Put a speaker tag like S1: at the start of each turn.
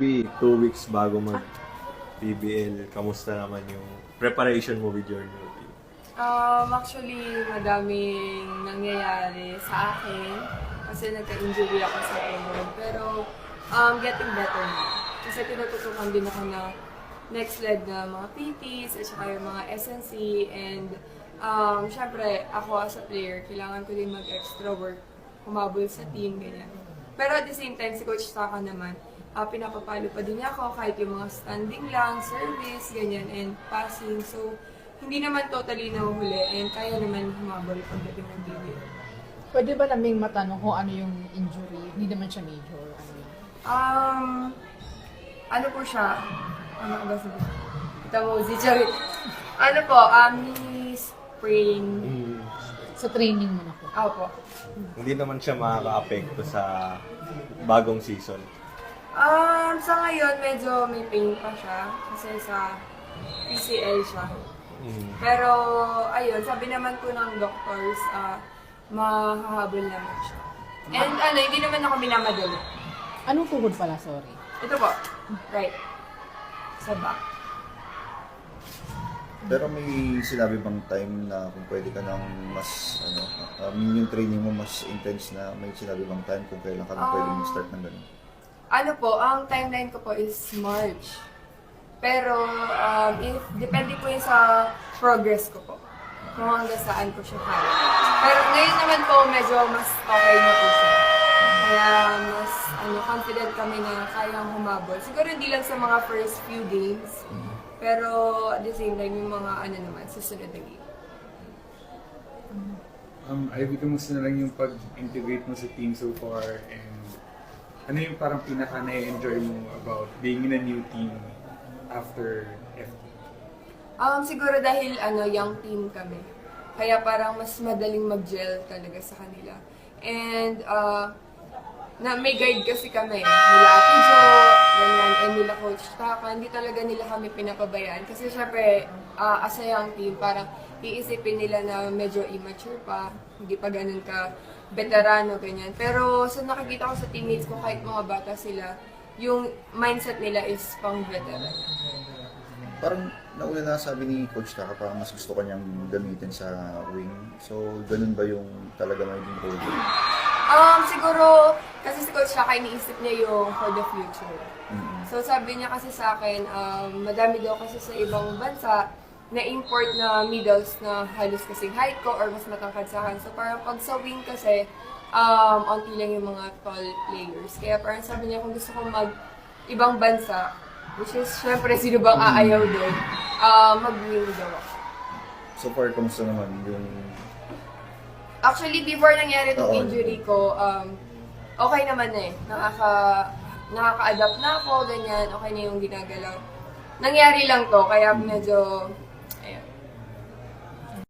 S1: Ivy, 2 weeks bago mag-PBL, kamusta naman yung preparation mo with your new team?
S2: Actually, madaming nangyayari sa akin kasi nagka-injury ako sa elbow. Pero, getting better na. Kasi tinututukan din ako na next leg na mga PTs at saka yung mga SNC and syempre, ako as a player, kailangan ko din mag-extra work, humabol sa team, ganyan. Pero at the same time, si Coach Saka naman, pinapapalo pa din niya ako kahit yung mga standing lang, service, ganyan, and passing. So, hindi naman totally nahuhuli and kaya naman humabol pagdating ng PBL.
S3: Pwede ba naming matanong kung ano yung injury? Hindi naman siya major.
S2: Ano po siya? Ano ba sabihin? Ito mo, si Charit. Ano po, knee sprain.
S3: Sa training mo na po.
S2: Opo.
S1: Hindi naman siya makaka-apekto sa bagong season.
S2: Sa ngayon, medyo may pain pa siya kasi sa PCL siya. Pero, ayun, sabi naman po ng doctors, mahahabol naman siya. And hindi naman ako minamadali.
S3: Anong tuhod pala, sorry?
S2: Ito po, right. Sa back.
S4: Pero may sinabi bang time na kung pwede ka nang mas, yung training mo mas intense na, may sinabi bang time kung kailan ka nang pwede mag-start ng ganun?
S2: Ano po, ang timeline ko po is March. Pero, depende po yun sa progress ko po. Kung hanggang saan ko siya kaya. Pero ngayon naman po, medyo mas okay na po siya. Kaya mas confident kami na kayang humabol. Siguro hindi lang sa mga first few games. Pero at the same time, yung mga naman, susunod na game.
S5: Ivy, kamusta na lang yung pag-integrate mo sa team so far and ano yung parang pinaka-na-enjoy mo about being in a new team after FT?
S2: Siguro dahil young team kami. Kaya parang mas madaling mag-gel talaga sa kanila. And na may guide kasi kami. Nila Ate Jo, ganyan, and nila Coach Taka. Hindi talaga nila kami pinapabayaan. Kasi syempre, as a young team, parang iisipin nila na medyo immature pa. Hindi pa ganun ka veterano, ganyan. Pero sa nakikita ko sa teammates ko, kahit mga bata sila, yung mindset nila is pang veteran.
S4: Parang nauna na sabi ni Coach Taka, parang mas gusto kanyang gamitin sa wing. So, ganun ba yung talaga magiging role?
S2: Siguro, kasi si Coach Taka, iniisip niya yung for the future. So, sabi niya kasi sa akin, madami daw kasi sa ibang bansa na import na middles na halos kasing height ko or mas matangkad sa akin. So, parang pag sa wing kasi, onti lang yung mga tall players. Kaya parang sabi niya, kung gusto kong ibang bansa, which is, syempre, sino bang aayaw doon, mag-wing daw ako.
S4: So far, kamusta naman yung...
S2: Actually, before nangyari itong injury ko, okay naman na eh. Nakaka-adapt na ako, ganyan, okay na yung ginagalaw. Nangyari lang to, kaya medyo